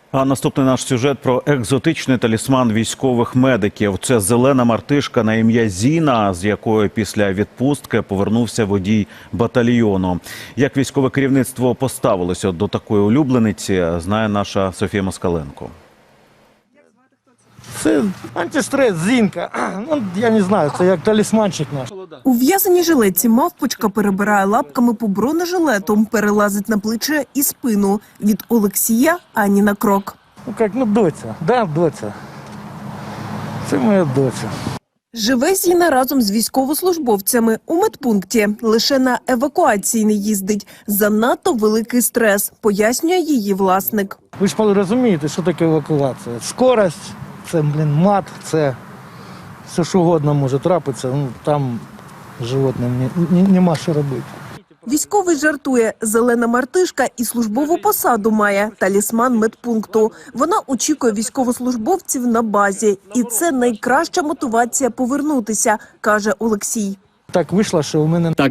А наступний наш сюжет про екзотичний талісман військових медиків. Це зелена мартишка на ім'я Зіна, з якою після відпустки повернувся водій батальйону. Як військове керівництво поставилося до такої улюблениці, знає наша Софія Москаленко. Це антистрес, Зінка. Ну, я не знаю, це як талісманчик наш. У в'язаній жилетці мавпочка перебирає лапками по бронежилету, перелазить на плече і спину. Від Олексія ані на крок. Ну як, доця. Да, доця. Це моя доця. Живе Зіна разом з військовослужбовцями у медпункті. Лише на евакуації не їздить. Занадто великий стрес, пояснює її власник. Ви ж розумієте, що таке евакуація. Скорость, це, мат, це все що угодно може трапитися. Ну, там животним нема що робити. Військовий жартує, зелена мартишка і службову посаду має – талісман медпункту. Вона очікує військовослужбовців на базі. І це найкраща мотивація повернутися, каже Олексій. Так вийшло, що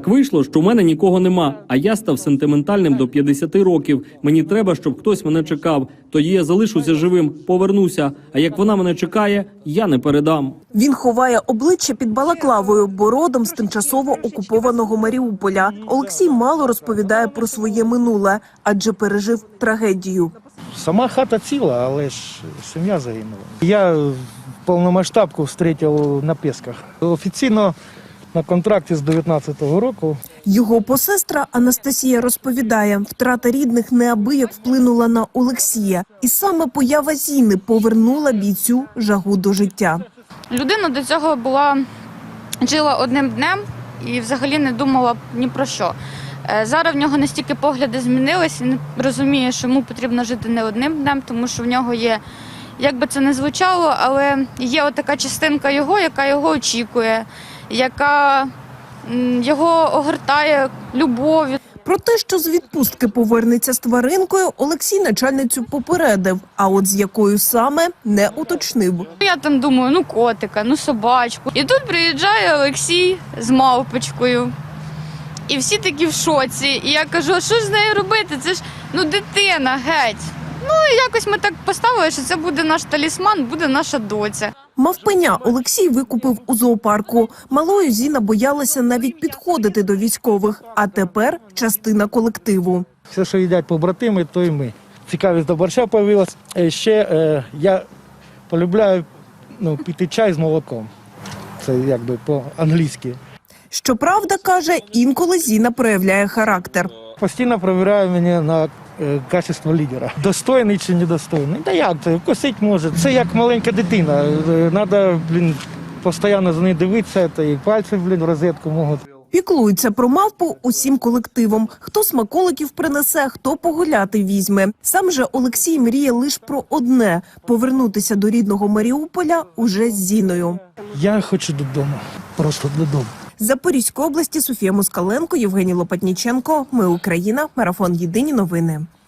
у мене нікого нема, а я став сентиментальним до 50 років. Мені треба, щоб хтось мене чекав. Тоді я залишуся живим, повернуся. А як вона мене чекає, я не передам. Він ховає обличчя під балаклавою, бо родом з тимчасово окупованого Маріуполя. Олексій мало розповідає про своє минуле, адже пережив трагедію. Сама хата ціла, але ж сім'я загинула. Я повномасштабку зустрів на Пісках. Офіційно на контракті з 19-го року. Його посестра Анастасія розповідає, втрата рідних неабияк вплинула на Олексія. І саме поява Зіни повернула бійцю жагу до життя. Людина до цього жила одним днем і взагалі не думала ні про що. Зараз в нього настільки погляди змінились, він розуміє, що йому потрібно жити не одним днем, тому що в нього є, як би це не звучало, але є отака частинка його, яка його очікує, яка його огортає любов'ю. Про те, що з відпустки повернеться з тваринкою, Олексій начальницю попередив, а от з якою саме не уточнив. Я там думаю, котика, собачку. І тут приїжджає Олексій з мавпочкою. І всі такі в шоці. І я кажу, а що ж з нею робити? Це ж, дитина, геть. І якось ми так поставили, що це буде наш талісман, буде наша доця. Мавпеня Олексій викупив у зоопарку. Малою Зіна боялася навіть підходити до військових, а тепер частина колективу. Все, що їдять побратими, то і ми. Цікавість до борща з'явилася. Ще я полюбляю пити чай з молоком. Це якби по-англійськи. Щоправда, каже, інколи Зіна проявляє характер. Постійно перевіряю мене на качество лідера. Достойний чи недостойний. Та як це? Вкусить може. Це як маленька дитина. Треба, постійно за нею дивитися, та і пальці, в розетку можуть. Піклуються про мавпу усім колективом. Хто смаколиків принесе, хто погуляти візьме. Сам же Олексій мріє лише про одне – повернутися до рідного Маріуполя уже з Зіною. Я хочу додому. Просто додому. З Запорізької області Софія Москаленко, Євгеній Лопатніченко. Ми Україна. Марафон. Єдині новини.